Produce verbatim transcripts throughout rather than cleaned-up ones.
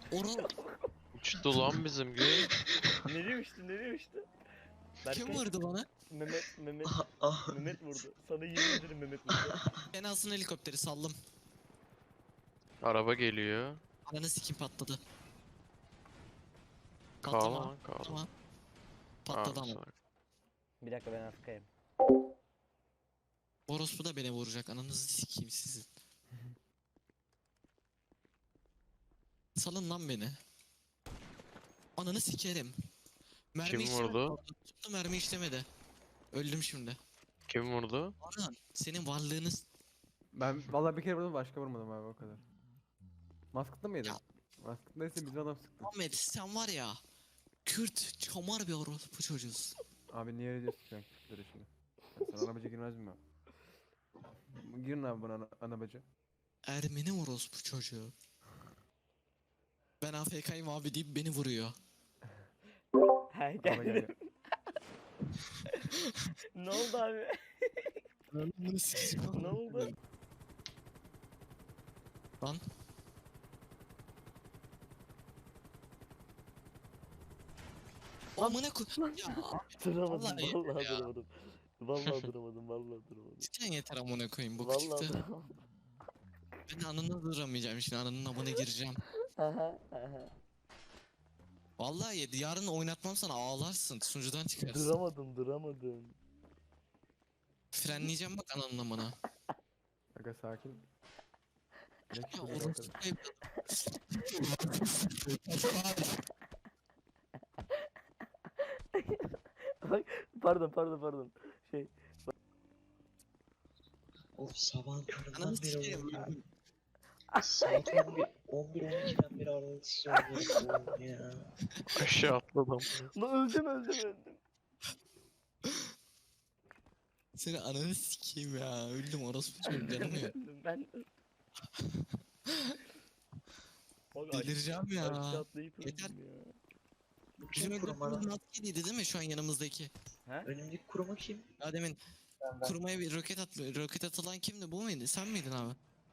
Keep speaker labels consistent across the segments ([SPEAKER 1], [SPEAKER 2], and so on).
[SPEAKER 1] Oral
[SPEAKER 2] Uçtu lan bizim gibi.
[SPEAKER 3] Nereye uçtu nereye uçtu?
[SPEAKER 1] kim
[SPEAKER 3] Berkay,
[SPEAKER 1] vurdu bana?
[SPEAKER 3] Mehmet Mehmet
[SPEAKER 4] Ah, ah.
[SPEAKER 3] Mehmet vurdu. Sana yemin ederim Mehmet vurdu.
[SPEAKER 1] Ben alsın helikopteri saldım.
[SPEAKER 2] Araba geliyor.
[SPEAKER 1] Ananı sikim patladı.
[SPEAKER 2] Kal
[SPEAKER 1] Patlama.
[SPEAKER 2] lan kal.
[SPEAKER 1] Tamam. Patladı ama.
[SPEAKER 3] Bir dakika ben Afrika'yım.
[SPEAKER 1] Orospu da beni vuracak. Ananızı sikeyim sizin. Salın lan beni. Ananı sikerim. Mermi
[SPEAKER 2] Kim
[SPEAKER 1] işlemedi.
[SPEAKER 2] vurdu?
[SPEAKER 1] Tuttu mermi işlemedi. Öldüm şimdi.
[SPEAKER 2] Kim vurdu?
[SPEAKER 1] Orhan senin varlığınız...
[SPEAKER 5] Ben vallahi bir kere vurdum, başka vurmadım abi, o kadar. Maskıtlı mıydın?
[SPEAKER 1] Ya.
[SPEAKER 5] Maskıtlıysa bizim adam sıktı.
[SPEAKER 1] Ahmet sen var ya. Kürt çamar bir orospu çocuğusun.
[SPEAKER 5] Abi niye öyle diyorsun sen Kürtlere şimdi? Ya sen anabacı girmez mi? Girin abi bana ana, anabacı.
[SPEAKER 1] Ermeni orospu çocuğu. Ben A F K'yim abi deyip beni vuruyor.
[SPEAKER 3] He
[SPEAKER 5] Araba gel
[SPEAKER 3] gel.
[SPEAKER 5] gel.
[SPEAKER 3] Ne oldu abi?
[SPEAKER 1] Ananı sikeyim.
[SPEAKER 3] Ne oldu?
[SPEAKER 1] Lan. Amına koy... Ya
[SPEAKER 3] Duramadım
[SPEAKER 1] Vallahi
[SPEAKER 3] vallahi
[SPEAKER 1] ya.
[SPEAKER 3] duramadım. Vallahi duramadım vallahi duramadım.
[SPEAKER 1] cidden yeter amına koyayım bu
[SPEAKER 3] Vallahi
[SPEAKER 1] çıktı.
[SPEAKER 3] duramadım.
[SPEAKER 1] Ben anını duramayacağım şimdi ananın amına gireceğim.
[SPEAKER 3] Aha, aha.
[SPEAKER 1] Vallahi yedi yarın oynatmam sana ağlarsın sunucudan çıkarsın.
[SPEAKER 3] Duramadım duramadım.
[SPEAKER 1] Frenleyeceğim bak ananın amına.
[SPEAKER 5] Aga sakin. Ne
[SPEAKER 1] Ya
[SPEAKER 5] çıkıyor
[SPEAKER 1] orospu
[SPEAKER 5] bakalım.
[SPEAKER 3] Bak pardon pardon pardon. Şey
[SPEAKER 4] Of sabahın köründen
[SPEAKER 1] Ananı
[SPEAKER 4] beri
[SPEAKER 1] sikeyim.
[SPEAKER 4] oynuyorum. Saat on bir, on bir on ikiden beri aralıksız oynuyorum ya.
[SPEAKER 2] Aşağı atladım.
[SPEAKER 3] lan öldüm öldüm öldüm.
[SPEAKER 1] Seni ananı sikeyim ya öldüm orospu çocuğu canım ya.
[SPEAKER 3] Öldüm ben. Bak, aş-
[SPEAKER 1] Delireceğim ya.
[SPEAKER 3] aşağı atlayıp öldüm
[SPEAKER 1] Yeter.
[SPEAKER 3] ya.
[SPEAKER 1] Bizim
[SPEAKER 4] Kim kuruma
[SPEAKER 1] öldürdüğümüz
[SPEAKER 4] lan?
[SPEAKER 1] maskeliydi değil mi şu an yanımızdaki?
[SPEAKER 3] He?
[SPEAKER 4] Önümdeki kuruma kim?
[SPEAKER 1] Ya demin kurmaya bir roket at roket atılan kimdi bu muydu sen miydin abi?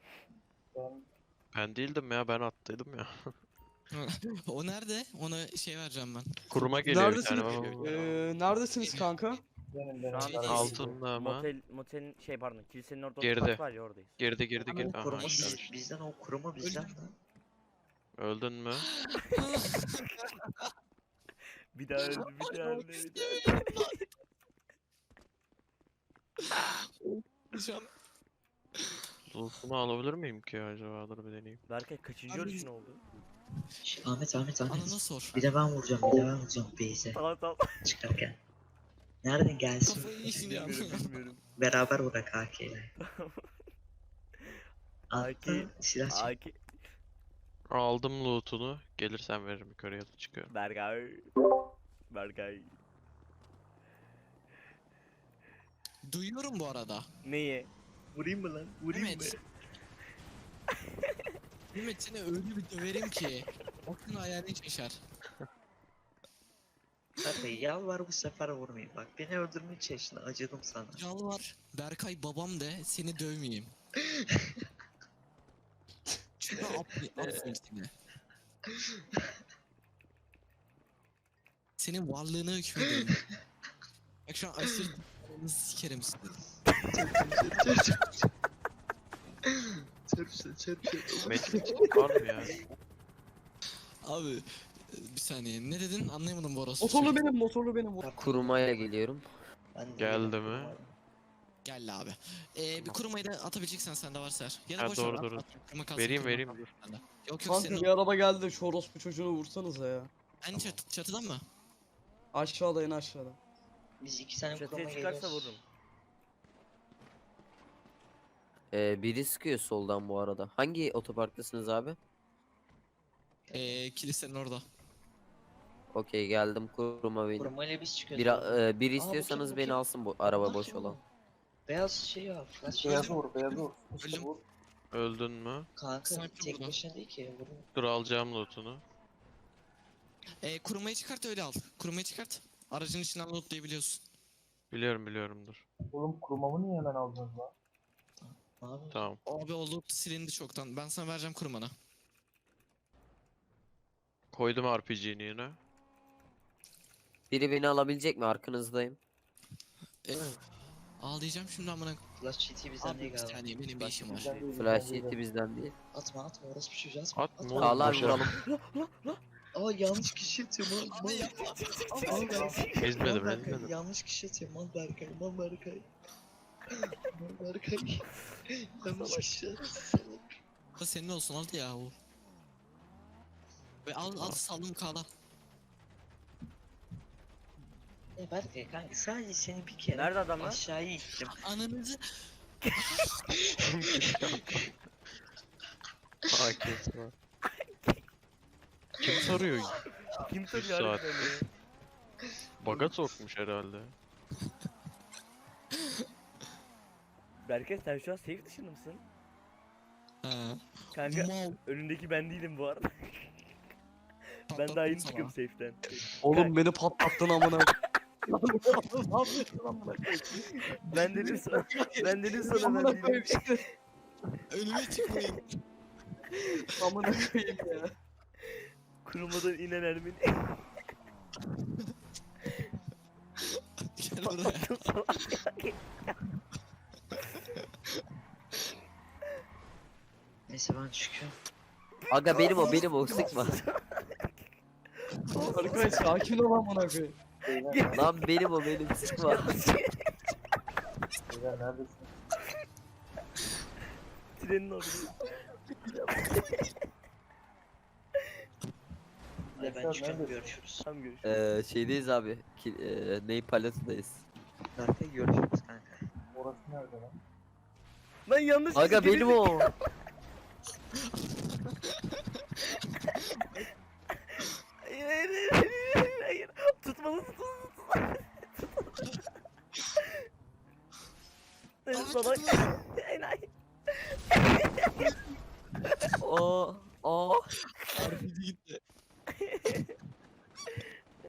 [SPEAKER 2] Ben değildim ya, ben attıydım ya.
[SPEAKER 1] O nerede? Ona şey vereceğim ben.
[SPEAKER 2] Kuruma geliyor bir
[SPEAKER 6] Neredesiniz?
[SPEAKER 2] tane baba.
[SPEAKER 6] Ee, neredesiniz kanka?
[SPEAKER 3] Şu an
[SPEAKER 2] Altında ama.
[SPEAKER 3] motel, motelin şey pardon kilisenin orada
[SPEAKER 2] Geride.
[SPEAKER 3] otopark var ya oradayız.
[SPEAKER 2] Girdi girdi
[SPEAKER 4] Ama o
[SPEAKER 2] girdi. Aha
[SPEAKER 4] kuruma
[SPEAKER 2] aşağı
[SPEAKER 4] biz,
[SPEAKER 2] düştü.
[SPEAKER 4] bizden o kuruma bizden lan.
[SPEAKER 2] Öldün mü?
[SPEAKER 3] Bir daha öldü bir daha öldü bir daha öldü.
[SPEAKER 1] Şu an
[SPEAKER 2] Loot'unu alabilir miyim ki acaba? Dur bir deneyeyim.
[SPEAKER 3] Berkay kaçıncı
[SPEAKER 1] Abi-
[SPEAKER 3] ölüşün oldu?
[SPEAKER 4] Şş, Ahmet Ahmet Ahmet.
[SPEAKER 1] anana sor.
[SPEAKER 4] Bir de ben vuracağım bir de ben vuracağım Beyze
[SPEAKER 3] Tamam tamam.
[SPEAKER 4] çıkarken. Nereden gelsin?
[SPEAKER 1] Kafayı yiyin ya.
[SPEAKER 3] Bilmiyorum bilmiyorum.
[SPEAKER 4] Beraber bırak A K ile.
[SPEAKER 3] A K
[SPEAKER 4] Attı silah çek.
[SPEAKER 3] Aki
[SPEAKER 2] Aldım loot'unu. Gelirsen veririm, yukarıya da çıkıyorum.
[SPEAKER 3] Berkay. Berkay.
[SPEAKER 1] Duyuyorum bu arada.
[SPEAKER 3] Neyi?
[SPEAKER 4] Vurayım mı lan? Vurayım mı?
[SPEAKER 1] Mehmet. Mehmet seni öyle bir döverim ki. Aklın hayalin şaşar.
[SPEAKER 4] Hadi yalvar bu sefer vurmayayım. Bak beni öldürmeye çalıştın acıdım sana.
[SPEAKER 1] Yalvar. Berkay babam de seni dövmeyeyim. Çünkü affet, affet seni. Senin varlığına hükmediyorum. Bak şu an aşırı sikerim seni.
[SPEAKER 4] Çırpsın çırpsın.
[SPEAKER 2] Medkit var mı ya?
[SPEAKER 1] Abi e, bir saniye ne dedin anlayamadım bu orası.
[SPEAKER 6] Motorlu benim, motorlu benim.
[SPEAKER 7] Kurumaya geliyorum.
[SPEAKER 4] Ben de
[SPEAKER 2] Geldi
[SPEAKER 4] yedim
[SPEAKER 2] mi?
[SPEAKER 4] kuruma.
[SPEAKER 1] Gel abi. Ee, bir kurumayı da atabileceksen sende varsa. Ya da
[SPEAKER 2] Ha,
[SPEAKER 1] boş
[SPEAKER 2] doğru,
[SPEAKER 1] ver,
[SPEAKER 2] doğru.
[SPEAKER 1] at, at. Kuruma kalsın,
[SPEAKER 2] Vereyim,
[SPEAKER 1] kuruma
[SPEAKER 2] vereyim,
[SPEAKER 1] kalsın
[SPEAKER 2] dur.
[SPEAKER 1] sende. Yok yok
[SPEAKER 6] Kanka
[SPEAKER 1] senin
[SPEAKER 6] bir araba geldi, şu orospu çocuğunu vursanıza ya.
[SPEAKER 1] en çat çatıdan mı?
[SPEAKER 6] Aşağıda en aşağıda.
[SPEAKER 4] Biz iki tane kuruma
[SPEAKER 3] Çatıya çıkarsa
[SPEAKER 4] geliyoruz.
[SPEAKER 3] vururum.
[SPEAKER 7] Ee, biri sıkıyor soldan bu arada. Hangi otoparktasınız abi?
[SPEAKER 1] Ee, kilisenin orada.
[SPEAKER 7] Okey, geldim kuruma benim.
[SPEAKER 4] Kurumayla biz çıkıyoruz.
[SPEAKER 7] Bir,
[SPEAKER 4] abi.
[SPEAKER 7] e, bir
[SPEAKER 4] Aa,
[SPEAKER 7] istiyorsanız
[SPEAKER 4] bakayım,
[SPEAKER 7] beni
[SPEAKER 4] bakayım.
[SPEAKER 7] alsın bu araba
[SPEAKER 4] Allah
[SPEAKER 7] boş
[SPEAKER 4] kim
[SPEAKER 7] olan.
[SPEAKER 4] o? Beyaz şey ya. Flash
[SPEAKER 1] Beyaz
[SPEAKER 4] şey.
[SPEAKER 1] vur, beyaz vur. Öldüm.
[SPEAKER 2] Öldün mü?
[SPEAKER 4] Kanka
[SPEAKER 1] Sniper
[SPEAKER 4] tek
[SPEAKER 1] burada.
[SPEAKER 4] başına değil ki. Vurun.
[SPEAKER 2] Dur alacağım loot'unu.
[SPEAKER 1] Ee, kurumayı çıkart öyle al. Kurumayı çıkart. Aracın içinden lootlayabiliyorsun.
[SPEAKER 2] Biliyorum biliyorum dur.
[SPEAKER 8] Oğlum kurumamı niye hemen aldınız lan?
[SPEAKER 4] Ne yapıyorsun?
[SPEAKER 2] Tamam.
[SPEAKER 1] Abi o loot silindi çoktan. Ben sana vereceğim kurumana.
[SPEAKER 2] Koydum R P G'ni yine.
[SPEAKER 7] Biri beni alabilecek mi? Arkanızdayım.
[SPEAKER 1] E, ağlayacağım şimdi amına.
[SPEAKER 4] Flash G T bizden
[SPEAKER 1] Abi
[SPEAKER 4] değil
[SPEAKER 1] bir
[SPEAKER 4] galiba.
[SPEAKER 1] saniye benim bir işim var.
[SPEAKER 8] Bizden değil,
[SPEAKER 7] Flash
[SPEAKER 8] bizden
[SPEAKER 7] yeti
[SPEAKER 8] değil.
[SPEAKER 7] bizden değil.
[SPEAKER 4] Atma atma orospu çocuğu atma.
[SPEAKER 2] At ne
[SPEAKER 4] atma.
[SPEAKER 2] olur
[SPEAKER 7] Sağlar
[SPEAKER 2] boşa.
[SPEAKER 7] vuralım.
[SPEAKER 4] Aa yanlış kişi atıyor mal mal.
[SPEAKER 1] Abi yapma.
[SPEAKER 4] Mal Berkay.
[SPEAKER 2] Ezmedim
[SPEAKER 4] Mal Berkay,
[SPEAKER 2] ezmedim.
[SPEAKER 4] yanlış kişi atıyor mal Berkay mal Berkay. Mal Berkay. Yanlış kişi atıyor. salak.
[SPEAKER 1] Bu senin olsun hadi ya o. Ve al al saldım kala.
[SPEAKER 4] Ya Berkay kanka sadece seni bir kere
[SPEAKER 3] Nerede adamlar?
[SPEAKER 4] aşağıya ittim.
[SPEAKER 1] Ananızı.
[SPEAKER 2] Aa kes var. Kim soruyor?
[SPEAKER 3] Kim
[SPEAKER 2] Üç
[SPEAKER 3] soruyor
[SPEAKER 2] saat.
[SPEAKER 3] harbiden ya?
[SPEAKER 2] Baga sokmuş herhalde.
[SPEAKER 3] Berkay sen şu an safe dışında mısın?
[SPEAKER 1] Ha.
[SPEAKER 3] Kanka
[SPEAKER 1] Mal.
[SPEAKER 3] önündeki ben değilim bu arada. Ben
[SPEAKER 1] Patlattım
[SPEAKER 3] daha yeni
[SPEAKER 1] sana.
[SPEAKER 3] çıkıyorum safe'den.
[SPEAKER 6] Oğlum beni patlattın amına. Ne yapıyorsun amına koyayım?
[SPEAKER 3] Ben dedim sana. Ben dedim sana
[SPEAKER 6] Amına
[SPEAKER 3] ben
[SPEAKER 6] koyayım
[SPEAKER 3] değilim.
[SPEAKER 6] işte.
[SPEAKER 1] Önüme çıkmayın.
[SPEAKER 6] Amına koyayım ya.
[SPEAKER 3] Kurumadan inen Ermeni.
[SPEAKER 1] Gel buraya.
[SPEAKER 4] Neyse ben çıkıyorum.
[SPEAKER 7] Aga benim o benim o sıkma.
[SPEAKER 6] Arkadaş sakin ol amına koyayım.
[SPEAKER 8] Beyler,
[SPEAKER 7] Lan benim o benim sıkma.
[SPEAKER 8] beyler neredesin?
[SPEAKER 3] Trenin orada.
[SPEAKER 4] Hadi ben
[SPEAKER 8] Neyse,
[SPEAKER 4] çıkıyorum
[SPEAKER 8] neredesin?
[SPEAKER 4] görüşürüz.
[SPEAKER 3] Tamam görüşürüz.
[SPEAKER 7] Ee, şeydeyiz abi. Ki, e, Ney Palace'dayız.
[SPEAKER 4] Berkay görüşürüz kanka.
[SPEAKER 8] Orası nerede lan?
[SPEAKER 3] Lan yanlış
[SPEAKER 7] Aga
[SPEAKER 3] kişi
[SPEAKER 7] benim
[SPEAKER 3] geri-
[SPEAKER 7] o.
[SPEAKER 3] Hayır hayır hayır hayır hayır. Tutmalı tutmalı tutmalı. Hayır
[SPEAKER 1] Abi
[SPEAKER 3] salak.
[SPEAKER 1] tutma.
[SPEAKER 3] Hayır hayır.
[SPEAKER 7] O.